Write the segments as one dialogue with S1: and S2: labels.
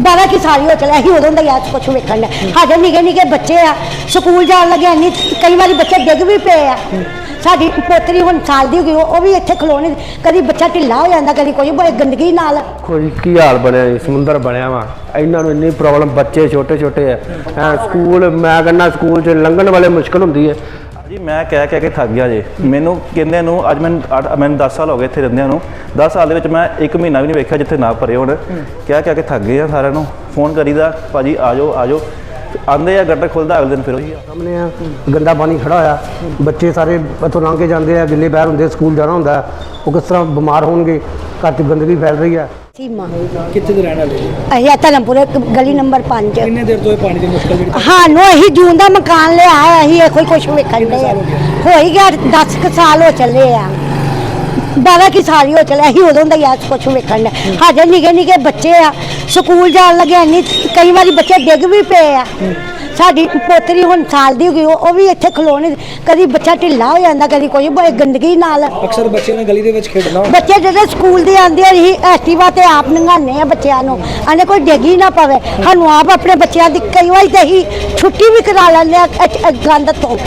S1: 12 की साल हो चले अं उदों का याद कुछ वेखन हजे निके निके बच्चे आ स्कूल जान लगे इन्नी कई बार बच्चे डिग भी पे आ साडी पोतरी हुण साल दी हो गई वो भी इत्थे खलोने कभी बच्चा ढिला हो जाता कभी कोई बड़ी गंदगी नाल
S2: कोई की हाल बनया समुंदर बनया वा इन्हां नूं इन्नी प्रॉब्लम बच्चे छोटे छोटे है स्कूल मैं कहना स्कूल च लंघण वाले मुश्किल हुंदी है
S3: जी मैं कह के थक गया जी मैनू कहंदे नूं अज मैनू 10 साल हो गए इत्थे रहिंदिਆਂ ਨੂੰ 10 साल दे विच मैं 1 महीना भी नहीं वेखिया जिथे ना भरे होण कह के थक गए सारिਆਂ ਨੂੰ फोन करीदा भाजी आ जाओ आंदे आ गटर खुलदा अगले दिन फिर वही
S2: सामने गंदा पानी खड़ा होया बच्चे सारे इत्थों लंघ के जाते हैं गिले पैर होंगे स्कूल जाना होंदा वो किस तरह बीमार होणगे घर च गंदगी फैल रही है
S1: सीमा
S4: कितने दिन रहने वाले
S1: अं धर्मपुर गली नंबर 5
S4: कितने देर तो पानी की मुश्किल
S1: हाँ अं जून का मकान लिया अं कोई कुछ वेखन डे हो ही गया 10 साल हो चले आ 12 की साल हो चले अं उदों का याद कुछ वेखन डे हजे निके निके बच्चे आ स्कूल जान लगे इन्नी कई बार बच्चे डिग भी पे आ साडी पोतरी हुण साल दी हो गई वो भी इत्थे खलोने कभी बच्चा ढिला हो जाता कभी कोई बड़ी गंदगी नाल
S4: अक्सर बच्चे ने गली दे विच खेडना
S1: बच्चे जो स्कूल दे आंदे ही एक्टिवा ते आप नंगाने बच्चों नूं अने कोई डिगी ना पवे सानूं आप अपने बच्चों की कई बार तो ही छुट्टी भी करा लैंदे गंद तो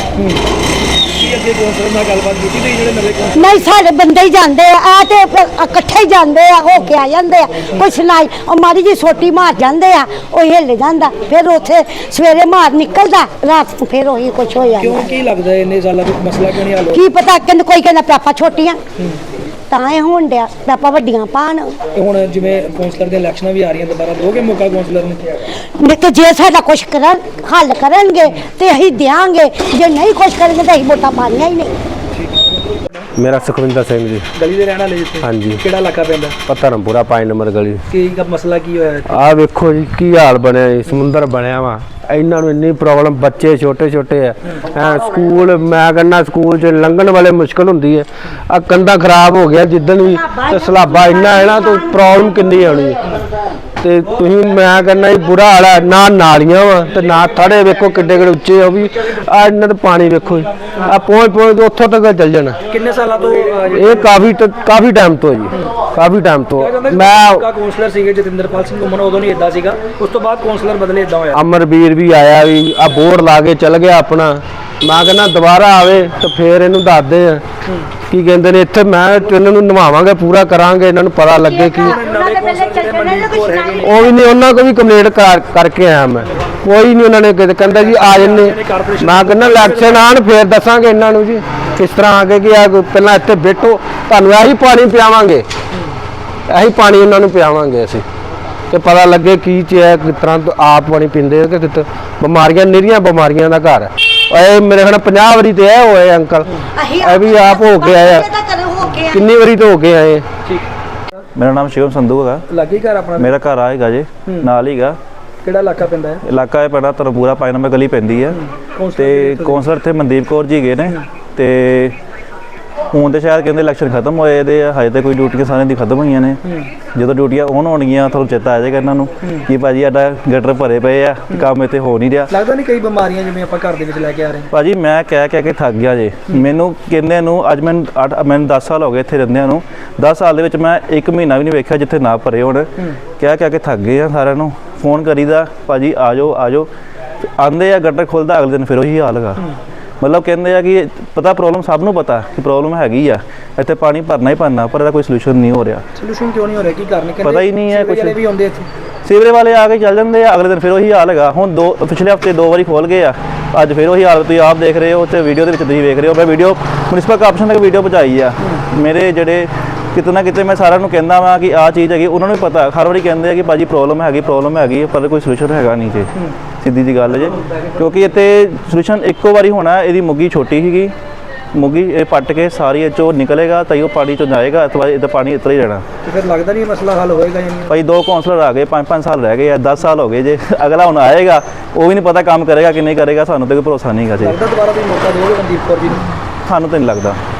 S1: नहीं सारे बंदे ही जाते इकट्ठे ही जाते होके आ जाते कोई सुनाई और माड़ी जी सोटी मार जाते हिल जाता फिर उथे सवेरे मार निकलता रात फिर वही कुछ हो जाता की पता कहते कोई कहना पापा छोटियां तां होण दिया पापा वड्डियां पाण
S4: हुण जिवें कौंसलर दी इलैक्शनां भी आ रही दोबारा दोगे मौका कौंसलर ने
S1: तो जे साडा कुछ करन हल करनगे ते असीं देंगे जे नहीं कुछ करेंगे तो असीं वोटां पाणियां ही नहीं
S2: मेरा सुखविंदर सिंह जी
S4: गली दे रहने वाले जिथे
S2: हाँ जी
S4: किहड़ा इलाका पैंदा
S2: धर्मपुरा 5 नंबर गली
S4: की मसला की होया
S2: आ वेखो जी की हाल बनया समुंदर बनया वा इन्हां नूं इन्नी प्रॉब्लम बच्चे छोटे छोटे है स्कूल मैं कहना स्कूल च लंघण वाले मुश्किल हुंदी है आ कंधा खराब हो गया जिद्दन भी ते सलाबा इन्ना है ना तो प्रॉब्लम किन्नी आनी ते तुसीं मैं कहना बुरा हाल है ना नालियां वा ते ना थड़े वेखो किड्डे किड्डे उच्चे ओ भी आ इन्ना ते पानी वेखो आ पहुंच उत्थों तक चल जाना
S4: किन्ने सालां तो
S2: ये काफ़ी टाइम तो जी काफ़ी टाइम तो मैं
S4: कौंसलर सीगे जतिंदरपाल सिंह घुम्मन उदों नहीं इदां सीगा उस तो बाद कौंसलर बदले इदां होया
S2: अमरवीर भी आया भी आ बोर्ड ला के चल गया अपना मैं कहना दोबारा आवे तो फिर इनू दसदे आ की कहते हैं इत्थे मैं इन्हों नवावांगे पूरा करांगे इन्हों पता लगे कि वो भी नहीं उन्होंने को भी कंप्लेंट करके आया मैं कोई नहीं उन्होंने कहता जी आ जन्ने मैं कहना इलैक्शन आन फिर दसांगे इन्हों जी किस तरह आके कि पहला इत्थे बैठो तुहानूं यही पानी पियावांगे यही पानी इन्हों पियावांगे असीं तो पता लगे की चीज़ है किस तरह आप पानी पींदे कि कित बीमारियां निरीਆਂ बीमारियां का घर है मेरे ख्याल 50 वारी तो है होए अंकल भी आप हो के आए कितनी वारी तो हो के आए
S3: मेरा नाम शिवम संधू है
S4: लागे घर अपना
S3: मेरा घर आएगा जी नाल हीगा
S4: ਕਿਹੜਾ ਇਲਾਕਾ ਪੈਂਦਾ ਹੈ
S3: इलाका है पेंदा धर्मपुरा 5 नंबर गली पैंदी है ते कौंसलर इत्थे मनदीप कौर जी गए ने ते ਹੁਣ ਤੇ ਸ਼ਾਇਦ ਕਹਿੰਦੇ ਇਲੈਕਸ਼ਨ ਖਤਮ ਹੋਏ ਇਹਦੇ ਹਜੇ ਤੇ ਕੋਈ ਡਿਊਟੀਆਂ ਸਾਰਿਆਂ ਦੀ ਖਤਮ ਹੋਈਆਂ ਨੇ ਜਦੋਂ ਡਿਊਟੀਆਂ ਔਨ ਹੋਣਗੀਆਂ ਤੁਹਾਨੂੰ ਚੇਤਾ ਆ ਜਾਏਗਾ ਇਹਨਾਂ ਨੂੰ ਕਿ ਭਾਜੀ ਸਾਡਾ ਗਟਰ ਭਰੇ ਪਏ ਆ ਕੰਮ ਇੱਥੇ ਹੋ ਨਹੀਂ ਰਿਹਾ
S4: ਲੱਗਦਾ ਨਹੀਂ ਕਈ ਬਿਮਾਰੀਆਂ ਜਿਵੇਂ ਆਪਾਂ ਘਰ ਦੇ ਵਿੱਚ ਲੈ ਕੇ ਆ ਰਹੇ
S3: ਭਾਜੀ ਮੈਂ ਕਹਿ ਕੇ ਥੱਕ ਗਿਆ ਜੇ ਮੈਨੂੰ ਕਹਿੰਦੇ ਨੂੰ ਅੱਜ ਮੈਨੂੰ 10 ਸਾਲ ਹੋ ਗਏ ਇੱਥੇ ਰਹਿੰਦਿਆਂ ਨੂੰ 10 ਸਾਲ ਦੇ ਵਿੱਚ ਮੈਂ 1 ਮਹੀਨਾ ਵੀ ਨਹੀਂ ਵੇਖਿਆ ਜਿੱਥੇ ਨਾ ਭਰੇ ਹੋਣ ਕਹਿ ਕੇ ਥੱਕ ਗਏ ਆ ਸਾਰਿਆਂ ਨੂੰ ਫੋਨ ਕਰੀਦਾ ਭਾਜੀ ਆ ਜਾਓ ਆਂਦੇ ਆ ਗਟਰ ਖੁੱਲਦਾ ਅਗਲੇ ਦਿਨ ਫਿਰ ਉਹੀ ਹਾਲ ਹੈਗਾ मतलब कहते हैं कि पता प्रॉब्लम सब नूं पता कि प्रॉब्लम हैगी आ इत्थे पानी भरना ही भरना पर इसदा कोई सलूशन नहीं हो रहा
S4: सलूशन क्यों नहीं हो रहा की कारण
S3: पता ही नहीं है कुछ
S4: भी आउंदे इत्थे
S3: सीवरेज वाले आके चल जाते हैं अगले दिन फिर वही हाल है हुण पिछले हफ्ते 2 बारी खोल गए अज फिर वही हाल तुसीं आप देख रहे हो तो वीडियो के तुसीं देख रहे हो मैं वीडियो म्यूनसिपल कारपोरेशन तक वीडियो पहुँचाई आ मेरे जिहड़े किते ना किते मैं सारिਆਂ ਨੂੰ कहना वा कि आ चीज़ हैगी उन्होंने भी पता हर बारी कहते हैं कि भाजी प्रॉब्लम हैगी पर कोई सलूशन हैगा नहीं जे सीधी जी गल जे क्योंकि इत्थे सलूशन इक्को बारी होना इहदी मुग्गी छोटी सीगी मुग्गी पट के सारी चो निकलेगा तो वो पानी चो जाएगा अथवा इधर पानी इतना ही रहना
S4: तो फिर लगता नहीं मसला हल होएगा
S3: भाई 2 कौंसलर आ गए 5 साल रह गए 10 साल हो गए जे अगला हुण आएगा वो भी नहीं पता काम करेगा कि नहीं करेगा सानू तो कोई भरोसा नहीं है जी
S4: लगता दोबारा भी मौका दोगे मनदीप कौर जी
S3: सानू तो नहीं लगता